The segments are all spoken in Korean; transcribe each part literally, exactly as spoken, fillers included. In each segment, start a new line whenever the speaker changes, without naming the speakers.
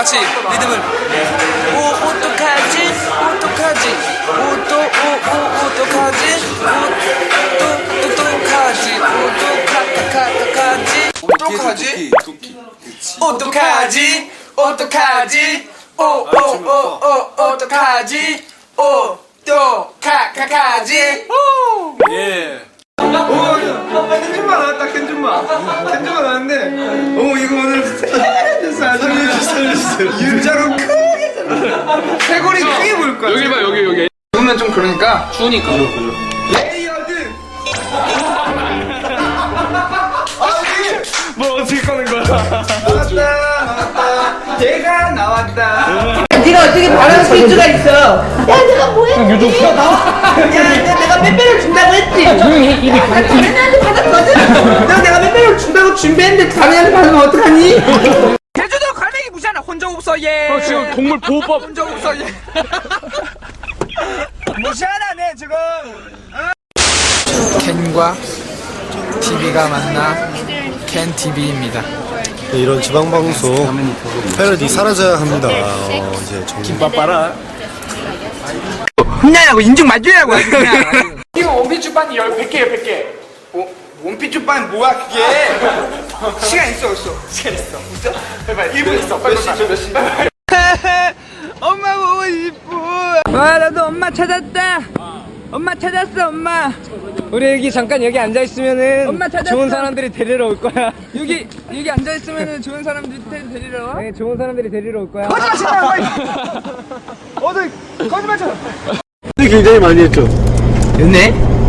같이 리듬을. 오 어떡하지 어떡하지 오또 오오 어떡하지 오또 어떡하지 오떡하카카카카지 어떡하지 어떡하지 어떡하지 오오오오 어떡하지 오떡하카카지.
예. 오, 캔준만 나왔다, 캔준만. 캔준만 나왔는데, 오, 이거 오늘 살려주세요, 살려주세요. 윤자로 크게 살려주세요. 쇄골이 크게 보일 거야.
여기 봐 여기 여기.
보면 좀 그러니까.
추우니까.
레이어드! 뭐 어떻게 꺼는 거야? 나왔다, 나왔다. 얘가 나왔다.
네가 어떻게 바람 쓸 수가 있어? 야, 내가 뭐 했지? 야, 나와. 야, 내가 빼빼를 준다고 했지? 조용히 해, 입이 가. 다른 애한테 받았거든? 너 내가 빼빼를 준다고 준비했는데 다른 애한테 받으면 어떡하니?
제주도 갈매기 무시하나 혼자 없어 얘.
어, 지금 동물보호법.
혼자 없어 얘.
무시하나, 네, 지금.
캔과 티비가 만나 캔티비입니다.
네, 이런 지방방송 패러디 사라져야 합니다. 어, 이제 정말
김밥 빨아.
혼나라고 인중 맞으라고 아주 그냥.
이거 원피스 주반이 백 개예요, 백 개. 어? 원피스 주반 뭐야, 그게? 시간 있어, 없어? 시간 있어. 진짜? 해봐, 일 분 있어. 빨리 몇 시, 몇 시?
엄마 보고 싶어. 와 나도 엄마 찾았다. 엄마 찾았어 엄마.
우리 여기 잠깐 여기 앉아 있으면은
엄마 찾았어.
좋은 사람들이 데리러 올 거야.
여기 여기 앉아 있으면은 좋은 사람들이 데- 데리러 와.
네, 좋은 사람들이 데리러 올 거야.
거짓말 치지 마! 어디, 거짓말 쳐!
굉장히 많이 했죠.
연애?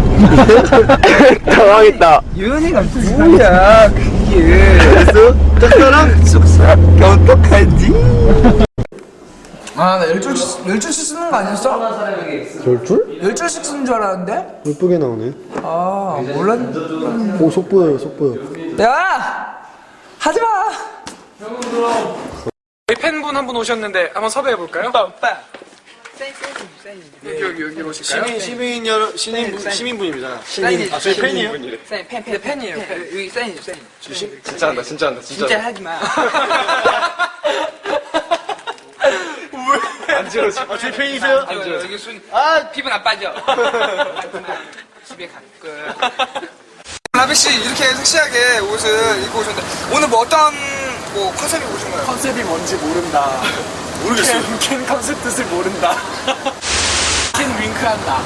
당황했다.
연애가 뭐야 그게.
그래서 짝사랑 속삭 어떡하지?
아 나 열줄씩 열줄씩 쓰는 거 아니었어?
열줄?
열줄씩 쓰는 줄 알았는데.
예쁘게 나오네.
아 몰랐.
오, 속 보여요, 속 보여.
야 하지 마.
저희 팬분 한 분 오셨는데 한번 섭외해 볼까요?
오빠.
여기 여기 여기로 오실까요?
시민, 시민 여러, 시민, 시민분이잖아.
사인.
아, 저희 팬이에요?
사인 팬 팬 팬이에요. 팬. 여기 사인 사인.
진짜 한다, 진짜 한다, 진짜.
진짜 하지 마.
안 지러지. 아, 저희 팬이세요?
안 좋아. 여기 순. 아 피부 나빠져. 집에 갈 걸. 라비 씨 이렇게 섹시하게 옷을 입고 오셨는데 오늘 뭐 어떤 뭐 컨셉이 오신 거예요?
컨셉이 뭔지 모른다.
모르겠어요.
캔, 캔 컨셉 뜻을 모른다. 캔 윙크한다.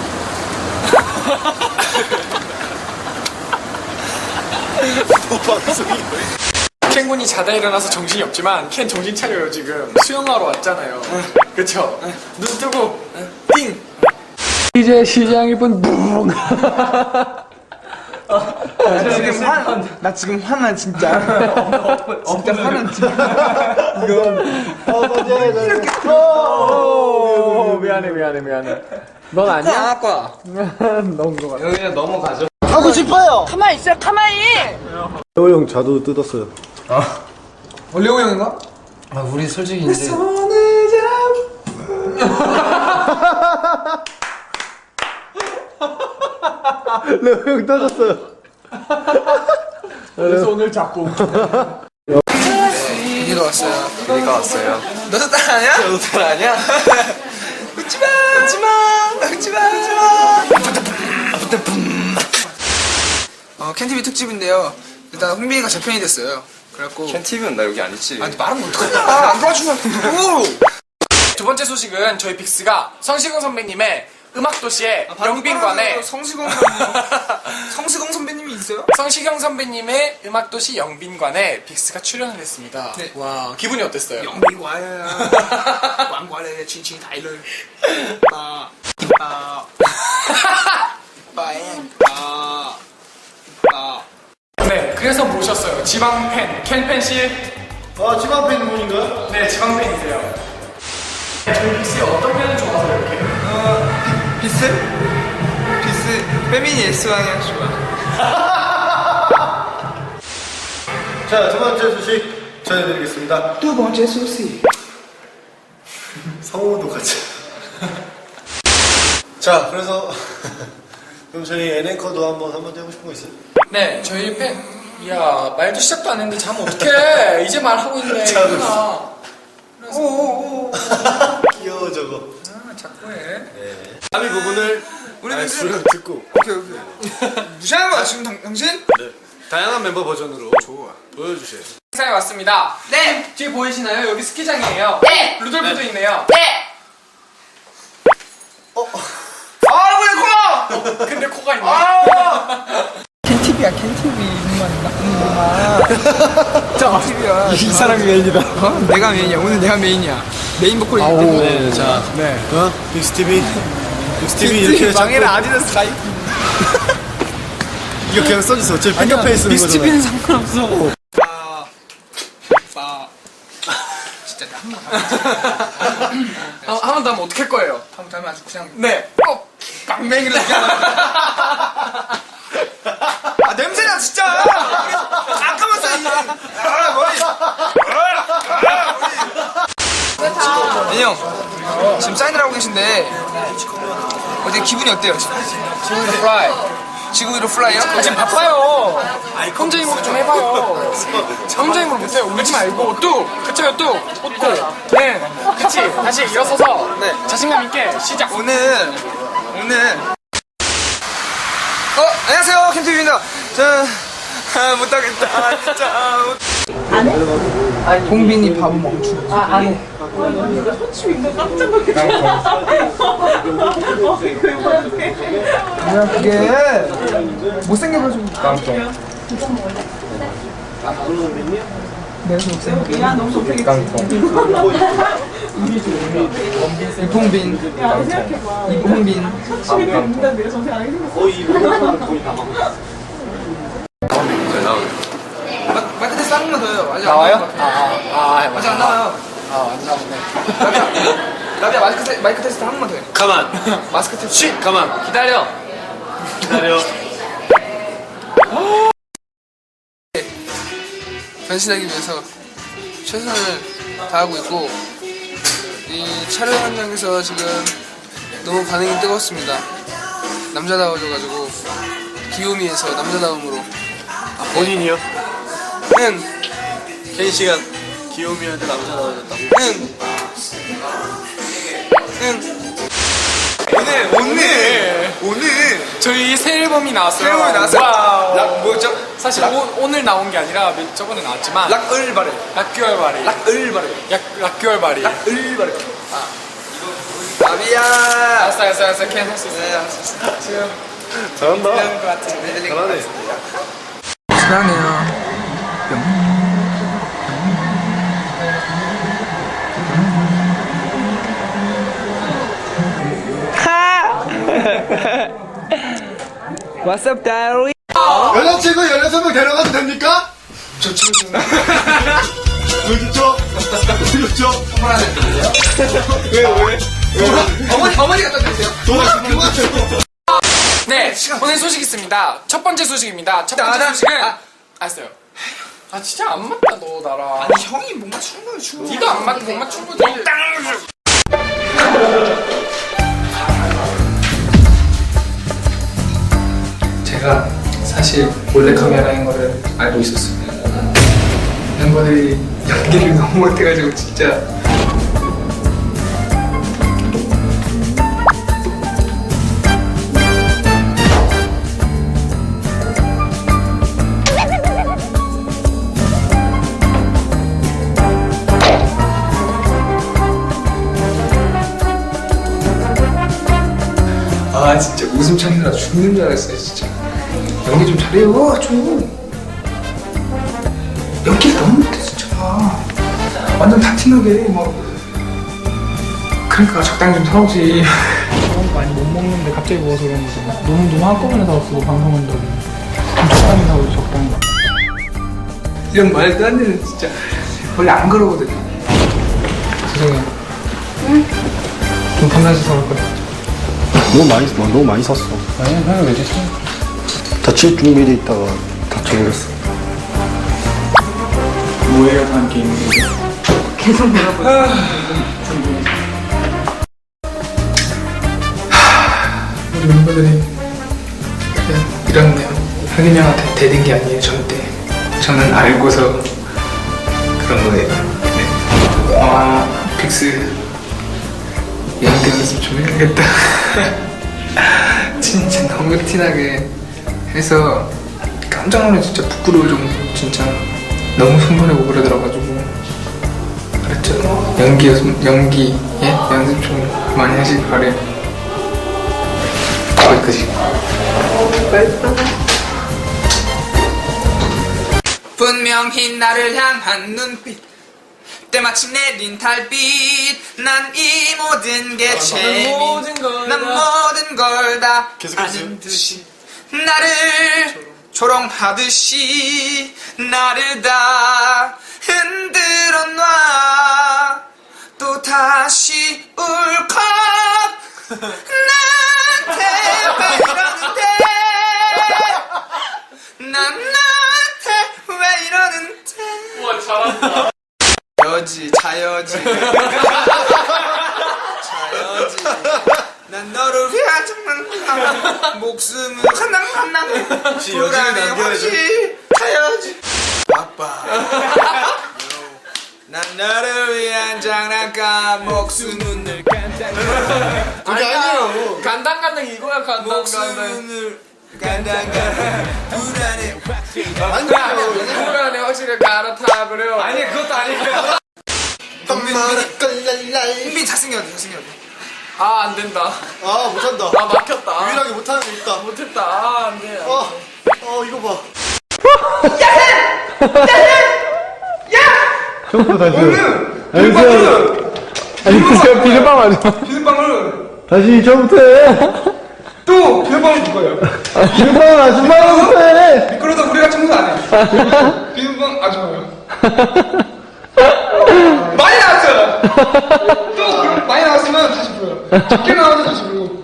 뭐 방송이.
캔군이 자다 일어나서 정신이 없지만 캔 정신 차려요 지금. 수영하러 왔잖아요. 그쵸? 눈 뜨고 띵! 이제 시장이 분 뿡!
지금 화, 나 지금 화나 진짜. 진짜 화나 진짜.
오, 미안해 미안해 미안해. 넌 아니야?
아까.
너무 거 같아.
여기는 넘어가죠.
하고 싶어요!
가만히 있어, 가만히!
태호 형 자도 뜯었어요.
원래호 형인가?
아 우리 솔직히 이제
레오 형 떠졌어요.
그래서 오늘 자꾸
윤희가 왔어요.
우리가 왔어요.
너도 딸 아니야?
너도 딸 아니야?
웃지마 웃지마 웃지마 웃지마. 어 캔티비 특집인데요. 일단 홍빈이가 재편이 됐어요. 그래갖고
캔티비는 나 여기 안 있지.
아니 말하면 어떡하냐. 안 도와주면
두 번째 소식은 저희 빅스가 성시경 선배님의 음악도시의 영빈관에
성시경 성시경 선배님이 있어요?
성시경 선배님의 음악도시 영빈관에 빅스가 출연을 했습니다.
네.
와 기분이 어땠어요?
영빈관에 왕관에 칭칭 다이를 아 아, 빠에 아, 아.
네, 그래서 모셨어요. 지방팬 캔팬씨.
아, 지방 팬분인가요?
네, 지방팬이세요. 저희 빅스의 어떤 팬을 좋아하세요? 이렇게?
어, 비스? 비스 페미니 S왕이야 좋아.
자, 두 번째 소식 전해드리겠습니다.
두 번째 소식.
성우도 같이. 자, 그래서 그럼 저희 엔앵커도 한번 한번 해보고 싶은 거 있어요?
네, 저희 팬. 이야, 말도 시작도 안 했는데 자면 어떡해. 이제 말하고 있네.
자고
이구나.
귀여워 저거.
아, 자꾸 해.
다음 부분을
우리
아니,
멤버
수련 듣고
오케이 오케이. 무시하는 거야 지금 당, 당신?
네. 다양한 멤버 버전으로 좋아. 보여주세요.
행사에 왔습니다.
네.
뒤에 보이시나요? 여기 스키장이에요.
네.
루돌프도 있네요.
네.
아 왜 코?
근데 코가 있네.
캔티비야 캔티비 이만 나쁜 자 캔티비야.
이 사람이 메인이다.
어? 내가 메인이야. 오늘 내가 메인이야. 메인 보컬이기
아오.
때문에.
네, 자,
네.
어? 빅스티비. 빅스티비 이렇게
망해라
자꾸
아디다스 라이프.
이거 그냥 써주세요. 제 핑크페이 쓰는 거잖아요.
빅스티비는 상관없어. 빠. 빠. 진짜 나한번
아, 한 번 더 하면 어떻게 할 거예요?
한번 하면 아주 그냥
네.
어 깡맹이를 아 냄새나 진짜. 잠깐만 써 이제. 아 머리. 민형 지금 사인을 하고 계신데 어제 기분이 어때요? 지금?
지금 플라이.
지구 위로 플라이요?
아, 지금 바빠요. 혼자 힘으로 좀 해봐요. 혼자 힘으로 못해요. 울지 말고 뚝. 그쳐요 뚝. 웃고. 네. 그치. 다시 일어서서.
네.
자신감 있게 시작.
오늘 오늘 어 안녕하세요 캠티비입니다. 저 아, 못하겠다 진짜. 봉빈이 밥은 멈추.
아, 안 해.
뭐야 그게 못생겨 가지고 깡통. 내가 못생겨. 야 너무 못생겼지. 깡통. 이봉빈. 이봉빈. 마- 마이크 테스트 한 번만 더 해요. 아직
나와요?
안 나온 것 같아.
아, 아, 아,
아직 안 나와요.
아, 안 나오네.
라비야, 라비야 마이크, 테, 마이크 테스트 한 번만 더 해.
가만.
마스크 테스트.
쉿. 가만.
기다려.
기다려.
변신하기 위해서 최선을 다하고 있고 이 촬영 현장에서 지금 너무 반응이 뜨겁습니다. 남자다워져가지고 귀요미에서 남자다움으로
본인이요?
응,
케인 씨가 귀요미한테 남자 나와줬다고.
응, 응. 오늘 오늘 오늘
저희 새 앨범이 나왔어요.
새로운 나왔어요.
와우.
락 뭐였죠?
사실 오, 오늘 나온 게 아니라 몇- 저번에 나왔지만
락을 바래.
락규월 발이.
락을 바래.
약, 락규월 발이.
락을 바래. 아 이거 라비야.
알았어, 알았어, 알았어. 걔 할 수 있어.
네, 알았어.
지금
잘한다.
이런 거 같은데.
잘하네.
사랑해요. What's up, diary?
여자친구 열여섯 명 데려가도 됩니까?
좋죠, 좋죠.
왜 좋죠? 왜 좋죠? 왜, 왜?
어머니, 어머니 갖다 드세요.
도와, 그만 줘.
네, 오늘 소식 있습니다. 첫 번째 소식입니다. 첫 번째
나, 나,
소식은
아.
알았어요. 아 진짜 안 맞다 너 나랑.
아니, 형이 못 맞추는 거예요, 지금.
네가 안 맞고 못 맞춘 거지.
제가 사실 몰래카메라인 거를 알고 있었어요. 멤버들이 연기를 너무 못해가지고 진짜. 아 진짜 웃음 참느라 죽는 줄 알았어요 진짜. 연기 좀 잘해요 좀. 연기를 너무 못해 진짜. 완전 다 티나게 뭐. 그러니까 적당히 좀 사오지.
많이 못 먹는데 갑자기 먹어서 그런 거지. 너무 너무 한꺼번에 사왔어 방송한다고. 좀 적당히 사오지 적당히.
이런 말도 안 되는 진짜. 원래 안 그러거든요. 죄송해요. 좀 판단해서 사올 거예요.
너무 많이, 너무 많이 샀어.
아니 형이 왜 줬어?
다칠 준비돼 있다가 다쳐버렸어.
뭐예요 다 함께 있는 게?
계속 물어보고.
우리 멤버들이 그냥 이렇네요. 하균이 형한테 대든 게 아니에요 절대. 저는 알고서 그런 거예요. 네. 어, 빅스 연습 좀 해야겠다. 진짜 너무 티나게 해서 깜짝 놀라 진짜 부끄러울 정도. 진짜 너무 손보내고 그러더라가지고. 알았죠? 연기 연습, 연기 예? 연습 좀 많이 하시길 바래요. 거기까지. 분명히 나를 향한 눈빛, 때마침 내린 달빛. 난 이 모든 게 재미, 난 모든 걸 다 아는 듯이 나를 조롱하듯이 나를 다 흔들어 놔. 또 다시 울컥 나한테 왜 이러는데, 난 나한테 왜 이러는데.
우와 잘한다.
여지 자여지 자여지 난 너를 위한 정말 목숨을 하나하나 불안해 없이 자여지 아빠. 난 너를 위한 장난감 목숨은 늘 간당간.
아니야. 간당간당 이거야 간당간당.
목숨을 간당간 불안해.
불안해 확실히 갈아타 그래요.
아니 그것도 아니에요.
엄마를 끌랄랄.
은빈 잘생겼네 잘생겼네.
아 안된다.
아 못한다.
아 막혔다.
유일하게 못하는 게 있다.
못했다. 아 안돼.
어, 어 이거 봐.
처음부터 다시.
아니
아니 제가 비눗방 하죠.
비눗방울
다시 처음부터 해.
또 비눗방울 줄 거예요.
비눗방 아줌마부터 해.
그러다 우리가 청소 안 해. 비눗방 아줌마요. 많이 나왔어요. 또 그럼 많이 나왔으면 다시 불러요. 적게 나와서 다시 부르고.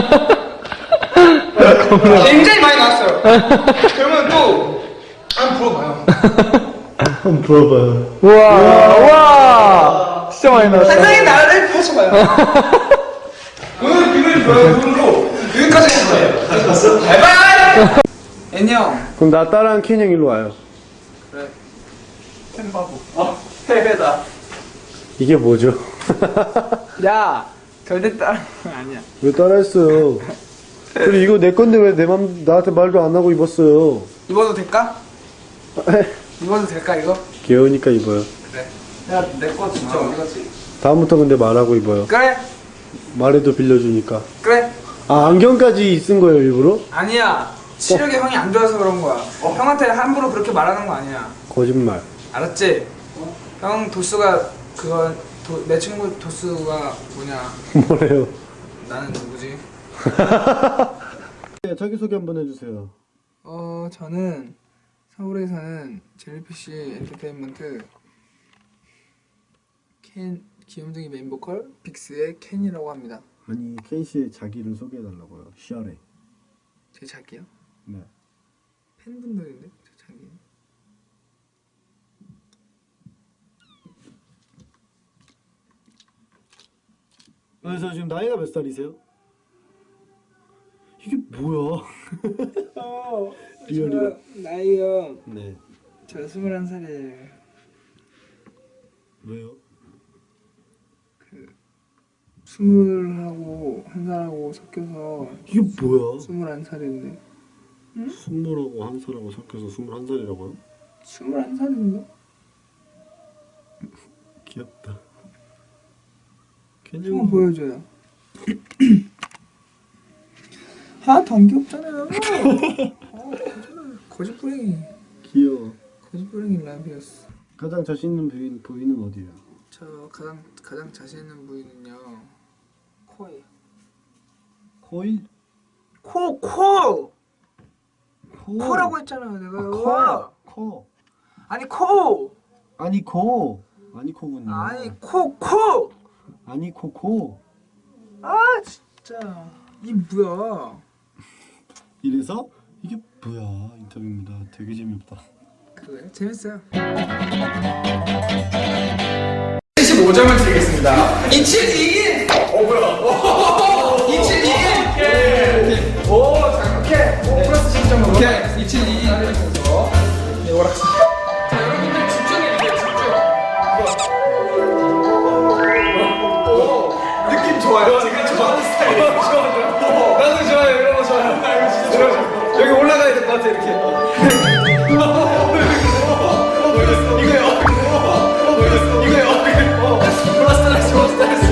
굉장히 많이 나왔어요. 그러면 또 한번 불어봐요.
한번 불어봐요. 우와, 우와. 진짜 많이 나왔어.
한상에 나를 펼쳐봐요. 오늘 비밀 불어요. 오늘로 여기까지 했어요. 바이바이. 애니 형.
그럼 나 따라한 켄 형 일로 와요.
햄바보. 어, 패배다.
이게 뭐죠?
야, 절대 따라 아니야.
왜 따라했어요? 그리고 이거 내 건데 왜 내 맘, 나한테 말도 안 하고 입었어요?
입어도 될까? 입어도 될까 이거?
귀여우니까 입어요.
그래. 야, 내 거 진짜 어디 갔지?
다음부터 근데 말하고 입어요.
그래,
말해도 빌려주니까.
그래.
아, 안경까지 쓴 거예요, 일부러?
아니야. 시력이 형이 안 좋아서 그런 거야. 형한테 함부로 그렇게 말하는 거 아니야.
거짓말.
알았지? 형 도수가 그거 도, 내 친구 도수가 뭐냐?
뭐래요?
나는 누구지?
네, 자기소개 한번 해주세요.
어, 저는 서울에 사는 젤리피쉬 엔터테인먼트 켄 귀염둥이 메인 보컬 빅스의 켄이라고 합니다.
아니, 켄씨의 자기를 소개해달라고요. 시아래.
제 자기요?
네.
팬분들인데 제 자기.
그래서 지금 나이가 몇 살이세요? 이게 뭐야? 리얼이다.
나이요.
네.
저 스물한 살이에요.
왜요?
스물하고 한 살하고 섞여서
이게 뭐야?
스물한 살인데.
스물하고 한 살하고 섞여서 스물한 살이라고요?
스물한 살인데?
귀엽다.
한번
괜히
보여줘요. 아, 단 귀엽잖아요. 아, 거짓부랭이.
귀여워.
거짓부랭이 라비였어.
가장 자신 있는 부위는, 부위는 어디예요?
저 가장 가장 자신 있는 부위는요. 코예요.
코일?
코, 코.
코.
코라고 했잖아요, 내가.
아, 코. 코.
아니 코.
아니 코. 아니 코군요.
아니 코, 코.
아니 코 코.
아, 진짜. 이 뭐야?
이래서 이게 뭐야 인터뷰입니다. 되게 재미없다.
그래, 재밌어요.
칠십오 점을 드리겠습니다.
이칠이.
어 뭐야?
이칠이.
오케이. 오 자, 오케이. 오 플러스 십 점 먹어.
오케이, 이칠이.
네, 오락실. 자, 여러분들 집중해주세요, 집중. 오, 느낌 좋아요. 지금
이렇게 이렇게. 이거요. 이거요. 플러스타레스 플러스타레스.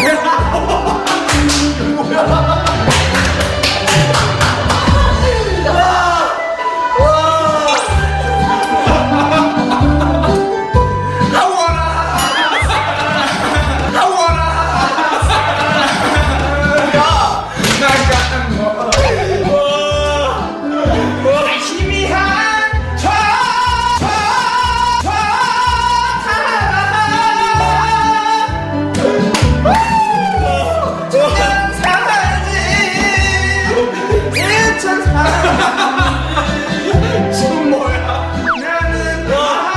지금 뭐야? 나는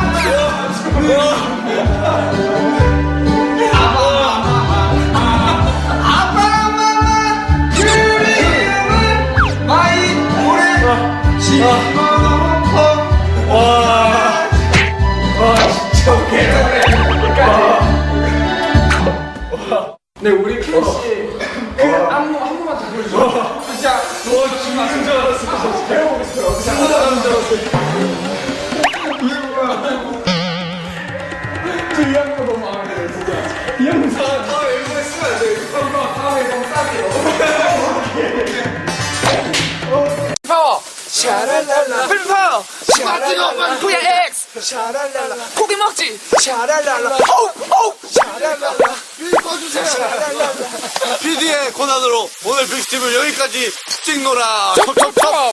아빠마마 그리움은 마이 오래 집어넣고 와, 와 진짜 웃기네. 네 우리 팬씨 그 안무 한 번만 더 보여줘. 진짜 너 죽는 줄 알았어. 배워보겠어요. 죽는 줄 알았어.
이 안무 너무 마음에 들어요 진짜. 이 안무
다음에 앨범에 쓰면 안 돼. 그럼 다음에 앨범 싸게요.
파워 샤랄랄라 풀파워 샤랄랄라 후야 X 샤랄랄라 고기 먹지 샤랄랄라 호우 호우 샤랄랄라
꺼주세요. 피디의 권한으로 오늘 빅스팁을 여기까지 찍노라.
척척척